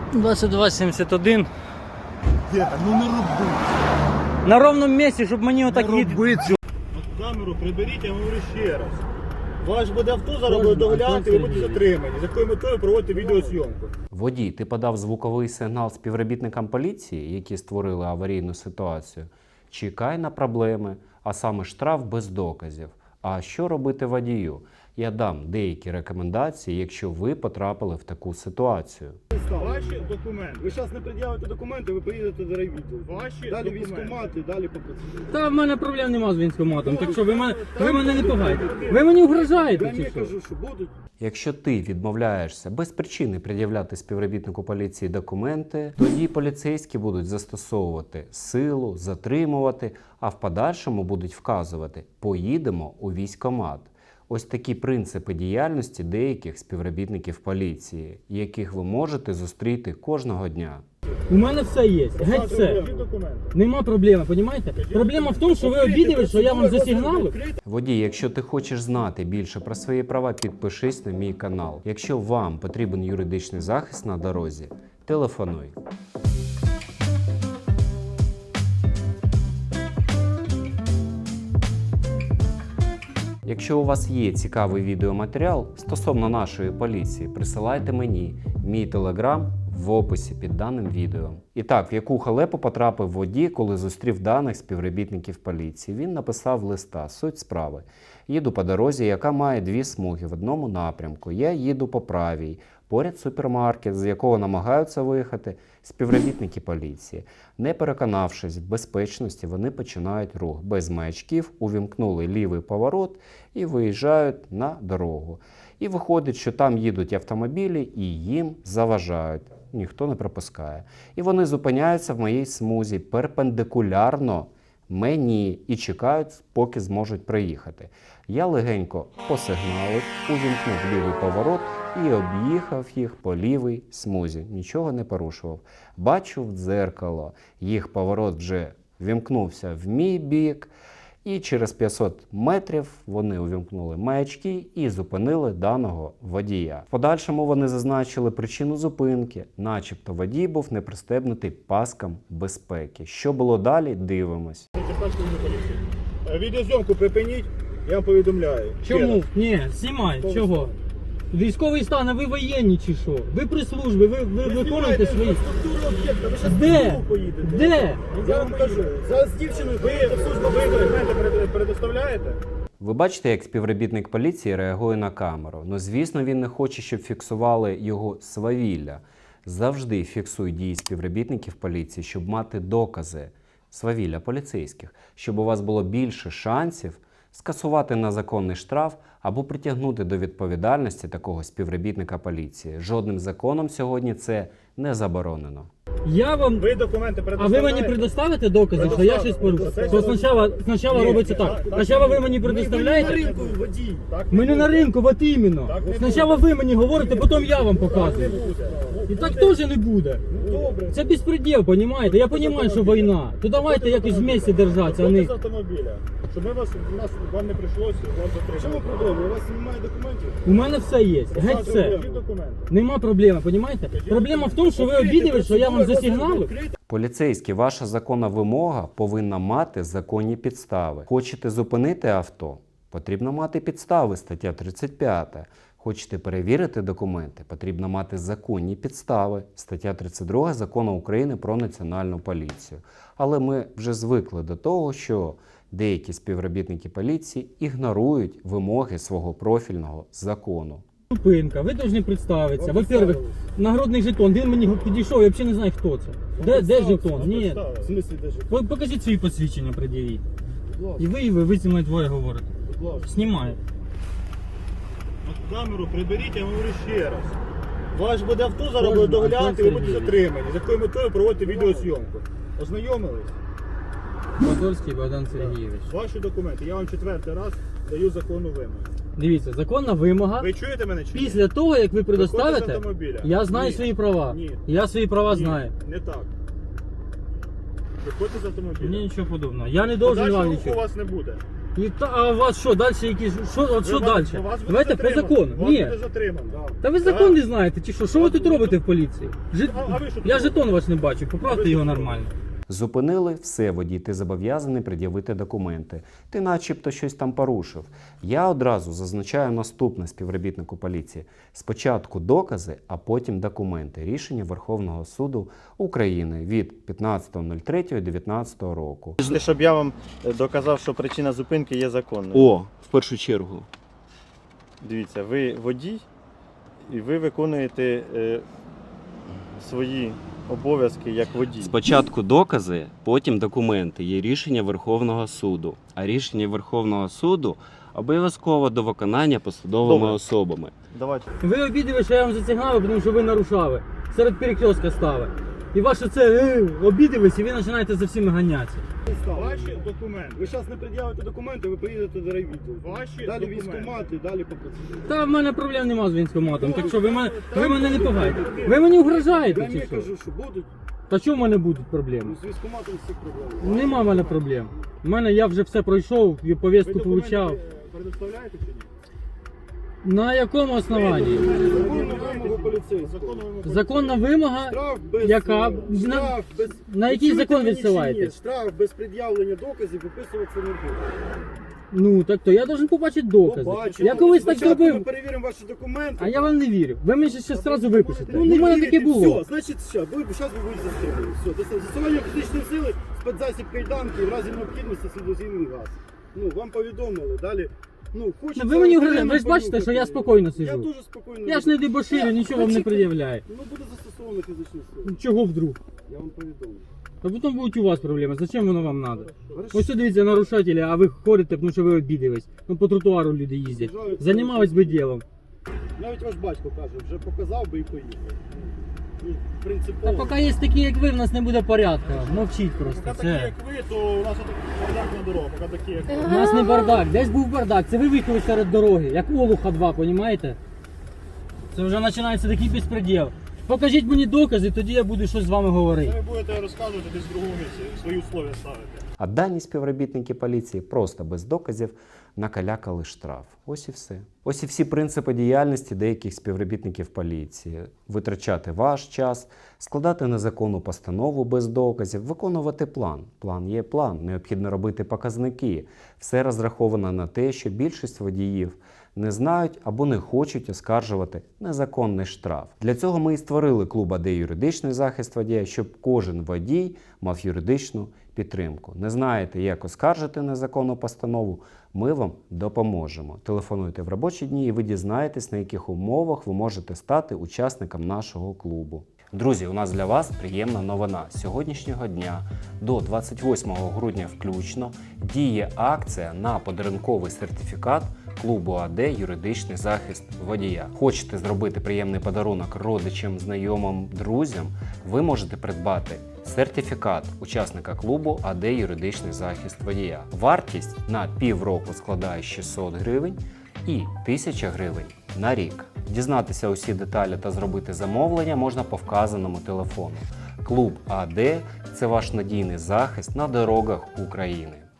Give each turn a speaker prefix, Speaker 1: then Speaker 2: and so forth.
Speaker 1: 2271.
Speaker 2: Діда, ну не роби.
Speaker 1: На ровному місці, щоб мені отак
Speaker 2: Не
Speaker 1: їде.
Speaker 2: роби цього.
Speaker 3: Камеру приберіть, я говорю ще раз. Ваш буде авто зараз буде доглянути, ви будете затримані. З якою метою проводити відеозйомку?
Speaker 4: Водій, ти подав звуковий сигнал співробітникам поліції, які створили аварійну ситуацію. Чекай на проблеми, а саме штраф без доказів. А що робити водію? Я дам деякі рекомендації, якщо ви потрапили в таку ситуацію.
Speaker 3: Ваші документи. Ви зараз не пред'явите документи, ви поїдете до райвідділу. Ваші Далі документи. військкомати, далі по процедурі.
Speaker 1: Та в мене проблем нема з військкоматом, так що ви мене не пугайте. Ви мені угрожаєте
Speaker 3: Я
Speaker 1: чи
Speaker 3: не
Speaker 1: що?
Speaker 3: кажу, що будуть.
Speaker 4: Якщо ти відмовляєшся без причини пред'являти співробітнику поліції документи, тоді поліцейські будуть застосовувати силу, затримувати, а в подальшому будуть вказувати «поїдемо у військкомат». Ось такі принципи діяльності деяких співробітників поліції, яких ви можете зустріти кожного дня.
Speaker 1: У мене все є, геть все.
Speaker 3: Покажіть документи.
Speaker 1: Нема проблеми, розумієте? Проблема в тому, що ви обідали, що я вам засигналив.
Speaker 4: Водій, якщо ти хочеш знати більше про свої права, підпишись на мій канал. Якщо вам потрібен юридичний захист на дорозі, телефонуй. Якщо у вас є цікавий відеоматеріал стосовно нашої поліції, присилайте мені. Мій телеграм в описі під даним відео. І так, в яку халепу потрапив водій, коли зустрів даних співробітників поліції? Він написав листа. Суть справи. Їду по дорозі, яка має дві смуги в одному напрямку. Я їду по правій. Поряд супермаркет, з якого намагаються виїхати співробітники поліції. Не переконавшись в безпечності, вони починають рух. Без маячків увімкнули лівий поворот і виїжджають на дорогу. І виходить, що там їдуть автомобілі і їм заважають. Ніхто не пропускає. І вони зупиняються в моїй смузі перпендикулярно мені і чекають, поки зможуть приїхати. Я легенько посигналив, увімкнув лівий поворот і об'їхав їх по лівій смузі. Нічого не порушував. Бачу в дзеркало, їх поворот вже вімкнувся в мій бік, і через 500 метрів вони увімкнули маячки і зупинили даного водія. В подальшому вони зазначили причину зупинки, начебто водій був не пристебнутий паскам безпеки. Що було далі, дивимось.
Speaker 3: Відеозйомку припиніть, я вам повідомляю.
Speaker 1: Чому? Ні, знімай, чого? Військовий стан, а ви воєнні чи що? Ви при службі, ви виконуєте свої... Де? Де?
Speaker 3: Я вам кажу, зараз з дівчиною поїдете в службу, ви документи предоставляєте?
Speaker 4: Ви бачите, як співробітник поліції реагує на камеру. Ну, звісно, він не хоче, щоб фіксували його свавілля. Завжди фіксуй дії співробітників поліції, щоб мати докази свавілля поліцейських, щоб у вас було більше шансів скасувати незаконний штраф або притягнути до відповідальності такого співробітника поліції. Жодним законом сьогодні це не заборонено.
Speaker 1: Я вам...
Speaker 3: Ви документи
Speaker 1: А
Speaker 3: предоставляєте?
Speaker 1: ви мені предоставите докази, що я щось порушив? То спочатку робиться так. Спочатку ви мені предоставляєте?
Speaker 3: ринку, водій.
Speaker 1: Ми не на ринку, от іменно. Спочатку ви мені говорите, потім я вам показую. І так теж не буде.
Speaker 3: Добре.
Speaker 1: Це безпреділ, розумієте? Я розумію, що війна. То давайте якось вместе держатися, а
Speaker 3: Виходьте
Speaker 1: не...
Speaker 3: з автомобіля, щоб вам не прийшлося вас затримати. Чому проблема? У вас немає документів?
Speaker 1: У мене все є, геть все.
Speaker 3: Покажіть документи.
Speaker 1: Нема проблеми, розумієте? Проблема в тому, що ви обідали, що я вам засигналив.
Speaker 4: Поліцейські, ваша законна вимога повинна мати законні підстави. Хочете зупинити авто? Потрібно мати підстави, стаття 35. Хочете перевірити документи? Потрібно мати законні підстави, стаття 32 Закону України про Національну поліцію. Але ми вже звикли до того, що деякі співробітники поліції ігнорують вимоги свого профільного закону.
Speaker 1: Зупинка, ви повинні представитися. Во-первых, нагородний жетон, він мені підійшов, я взагалі не знаю, хто це. Де жетон? Ні.
Speaker 3: В смислі, де жетон?
Speaker 1: Покажіть свої посвідчення, пред'явіть.
Speaker 3: Будь ласка,
Speaker 1: І ви зі мною двоє говорите.
Speaker 3: будь ласка.
Speaker 1: Знімаю.
Speaker 3: От камеру приберіть, я говорю ще раз. Ваш буде авто зараз буде доглянути, ви будете затримані. З якою метою проводити відеозйомку? Ознайомились?
Speaker 1: Моторський Богдан Сергійович.
Speaker 3: Ваші документи. Я вам 4-й раз даю законну вимогу.
Speaker 1: Дивіться, законна вимога.
Speaker 3: Ви чуєте мене чи ні?
Speaker 1: Після того, як ви
Speaker 3: Виходьте з
Speaker 1: предоставите,
Speaker 3: автомобіля.
Speaker 1: я знаю
Speaker 3: Ні.
Speaker 1: свої права.
Speaker 3: Ні.
Speaker 1: Я свої права
Speaker 3: Ні,
Speaker 1: знаю.
Speaker 3: не так. Виходьте з автомобіля.
Speaker 1: Мені нічого подобного. Я не должен вам
Speaker 3: Подальшого руху у
Speaker 1: нічого.
Speaker 3: вас не буде.
Speaker 1: А у вас що, далі якісь, от що далі?
Speaker 3: Вас буде
Speaker 1: Давайте по
Speaker 3: затримано.
Speaker 1: закону.
Speaker 3: Вас
Speaker 1: Ні.
Speaker 3: буде затримано.
Speaker 1: Та ви закон не знаєте, чи що? Що ви тут робите в поліції?
Speaker 3: А ви що тут
Speaker 1: Я
Speaker 3: робите?
Speaker 1: жетон ваш не бачу, поправте
Speaker 3: Ви
Speaker 1: його
Speaker 3: що
Speaker 1: нормально.
Speaker 4: Зупинили, все, водій, ти зобов'язаний пред'явити документи. Ти начебто щось там порушив. Я одразу зазначаю наступне співробітнику поліції. Спочатку докази, а потім документи. Рішення Верховного суду України від 15.03.19 року.
Speaker 5: Щоб я вам доказав, що причина зупинки є законною.
Speaker 6: О, в першу чергу.
Speaker 5: Дивіться, ви водій і ви виконуєте свої обов'язки як водій.
Speaker 6: Спочатку докази, потім документи. Є рішення Верховного суду. А рішення Верховного суду обов'язково до виконання посадовими
Speaker 5: Добре.
Speaker 6: особами.
Speaker 5: Давайте.
Speaker 1: Ви обідали, що я вам зацігнав, тому що ви нарушали. Серед перекрестка стали. І ваше це обідались, і ви починаєте за всіми ганятися.
Speaker 3: Ваші документи.
Speaker 2: Ви зараз не пред'явите документи, ви поїдете до райвідділу.
Speaker 3: Ваші
Speaker 2: Далі
Speaker 3: документи.
Speaker 2: військкомати, далі по процедурі.
Speaker 1: Та в мене проблем нема з військкоматом, так що ви мене не пугайте. Ви мені угрожаєте
Speaker 2: Я
Speaker 1: чи
Speaker 2: не
Speaker 1: що?
Speaker 2: кажу, що будуть,
Speaker 1: Та чого в мене будуть проблеми?
Speaker 2: ну, з військкоматом всіх проблем.
Speaker 1: Нема в мене проблем. У мене я вже все пройшов, і повістку
Speaker 3: Ви документи
Speaker 1: получав.
Speaker 3: предоставляєте чи ні?
Speaker 1: На якому основанні?
Speaker 2: Законну вимогу поліцейського.
Speaker 3: Законну вимогу.
Speaker 1: Законна вимога.
Speaker 2: Штраф без,
Speaker 1: Яка?
Speaker 2: штраф без...
Speaker 1: На який
Speaker 2: Ви чуєте
Speaker 1: закон
Speaker 2: мені чи
Speaker 1: відсилаєтесь?
Speaker 2: ні? Штраф без пред'явлення доказів виписуватися не буде.
Speaker 1: Ну так то я должен побачити докази.
Speaker 2: Побачимо.
Speaker 1: Я колись так
Speaker 2: Спочатку
Speaker 1: зробив.
Speaker 2: Ми перевіримо ваші документи.
Speaker 1: А я вам не вірю. Ви мені ще одразу випишете.
Speaker 2: Ну,
Speaker 1: Ну,
Speaker 2: не
Speaker 1: в мене
Speaker 2: вірите,
Speaker 1: таке було.
Speaker 2: Все, значить, зараз ви будете застрілені. Все, застосування фізичної сили, спецзасіб кайданки, в разі необхідності слідозійний газ. Ну, вам повідомили, далі. Ну, хочеться...
Speaker 1: Ви мені
Speaker 2: окремо
Speaker 1: угрожаєте, ви ж бачите, що я спокійно
Speaker 2: Я
Speaker 1: сиджу.
Speaker 2: дуже спокійно.
Speaker 1: Я ж не дебоширю, нічого вам не пред'являю.
Speaker 2: Ну, буде застосовано фізичну силу.
Speaker 1: Чого вдруг?
Speaker 2: Я вам повідомлю.
Speaker 1: А потім будуть у вас проблеми. Зачем воно вам треба?
Speaker 2: Хорошо.
Speaker 1: Ось що дивіться, нарушателі, а ви ходите, тому що ви обідались. Ну по тротуару люди їздять. Займались би ділом.
Speaker 2: Навіть ваш батько каже, вже показав би і поїхав. Ну,
Speaker 1: Та
Speaker 2: принципово.
Speaker 1: поки є такі, як ви, в нас не буде порядку. Мовчіть просто.
Speaker 3: Поки такі,
Speaker 1: Це.
Speaker 3: як ви, то у нас тут бардак на дорогу. Поки такі, як ви.
Speaker 1: У нас не бардак, десь був бардак. Це ви виїхали серед дороги, як Олуха 2, понімаєте? Це вже починається такий безпреділ. Покажіть мені докази, тоді я буду щось з вами говорити.
Speaker 3: Ви будете розказувати десь в другому місці, свої условия ставити.
Speaker 4: А дані співробітники поліції просто без доказів накалякали штраф. Ось і все. Ось і всі принципи діяльності деяких співробітників поліції. Витрачати ваш час, складати незаконну постанову без доказів, виконувати план. План є план, необхідно робити показники. Все розраховано на те, що більшість водіїв не знають або не хочуть оскаржувати незаконний штраф. Для цього ми і створили клуб АД «Юридичний захист водія», щоб кожен водій мав юридичну підтримку. Не знаєте, як оскаржити незаконну постанову? Ми вам допоможемо. Телефонуйте в робочі дні і ви дізнаєтесь, на яких умовах ви можете стати учасником нашого клубу. Друзі, у нас для вас приємна новина. З сьогоднішнього дня до 28 грудня включно діє акція на подарунковий сертифікат клубу АД «Юридичний захист водія». Хочете зробити приємний подарунок родичам, знайомим, друзям? Ви можете придбати сертифікат учасника клубу АД «Юридичний захист водія». Вартість на півроку складає 600 гривень і 1000 гривень на рік. Дізнатися усі деталі та зробити замовлення можна по вказаному телефону. Клуб АД – це ваш надійний захист на дорогах України.